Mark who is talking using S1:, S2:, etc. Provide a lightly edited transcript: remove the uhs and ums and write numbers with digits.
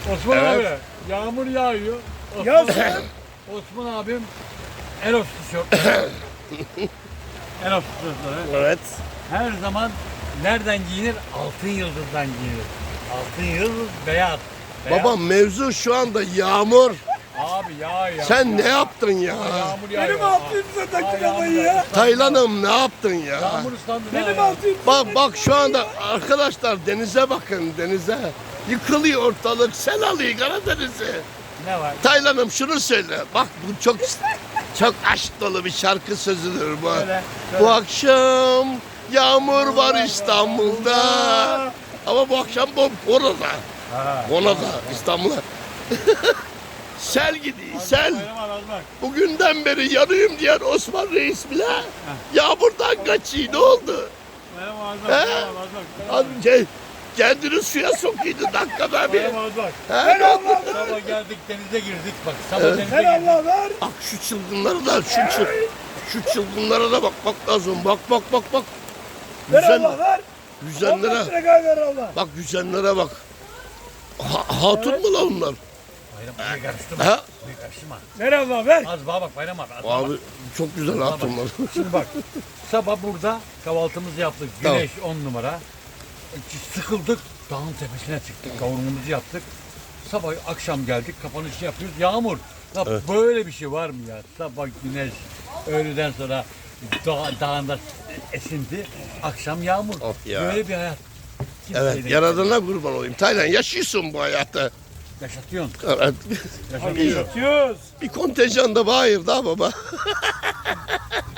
S1: Osman
S2: Evet.
S1: abi yağmur yağıyor.
S3: Yağsın.
S1: Osman abim Eros tişörtleri. Eros tişörtleri.
S2: Evet.
S1: Her zaman nereden giyinir? Altın yıldızdan giyinir. Altın yıldız beyaz. Beyaz.
S2: Babam mevzu şu anda yağmur.
S1: Abi ya.
S2: Sen ne yaptın ya?
S1: Yağmur yağıyor.
S3: Benim 600'e taktın alayı ya.
S2: Taylan'ım ne yaptın ya?
S1: Yağmur ıslandı.
S3: Benim 600'e
S2: Bak şu anda arkadaşlar denize bakın denize. Yıkılıyor ortalık. Sel alıyor Karadeniz'i.
S1: Ne var?
S2: Taylan'ım şunu söyle. Bak bu çok aşk dolu bir şarkı sözüdür bu.
S1: Söyle,
S2: Bu akşam yağmur var İstanbul'da. Ama bu akşam Bona'da.
S1: Ha.
S2: Bona'da İstanbul'a. Sel gidiyor sel.
S1: Bayram abi, az bak.
S2: Bugünden beri yanıyorum diyen Osman Reis bile yağmurdan kaçıyor. Ne oldu?
S1: Bayram abi, az
S2: He?
S1: bak. Bayram abi, az bak. Bayram abi.
S2: Kendini suya sokuyordu dakikada bir.
S1: Bayram abi, az bak.
S2: He, ne oldu?
S1: Sabah geldik denize girdik bak. Sabah denize
S3: Ver
S1: girdik.
S3: Allah ver.
S2: Bak şu çılgınlara da şu çılgınlara da bak lazım. Bak.
S3: Ver
S2: Yüzen,
S3: Allah ver.
S2: yüzenlere
S3: 15 lira ver Allah.
S2: bak yüzenlere bak. Hatun mu lan onlar?
S1: Bayram abi karıştırma.
S2: Ha?
S1: Karıştırma.
S3: Ver Allah ver.
S1: Az bana bak Bayram abi. Az bana
S2: Abi
S1: bak.
S2: çok güzel hatunlar.
S1: Şimdi bak. Sabah burada kahvaltımızı yaptık. Güneş 10 numara. Sıkıldık. Dağın tepesine çıktık. Kavurmamızı yaptık. Sabah akşam geldik. Kapanışı yapıyoruz. Yağmur. Ya böyle bir şey var mı ya? Sabah güneş. Öğleden sonra dağında esinti. Akşam yağmur.
S2: Of ya.
S1: Böyle bir hayat.
S2: Evet
S1: Kimseyle
S2: yaradana kurban olayım. Taylan yaşıyorsun bu hayatı.
S1: yaşatıyorsun.
S2: Evet.
S1: Yaşatıyorsun.
S3: Yatıyoruz.
S2: Bir kontenjan da bayır da baba.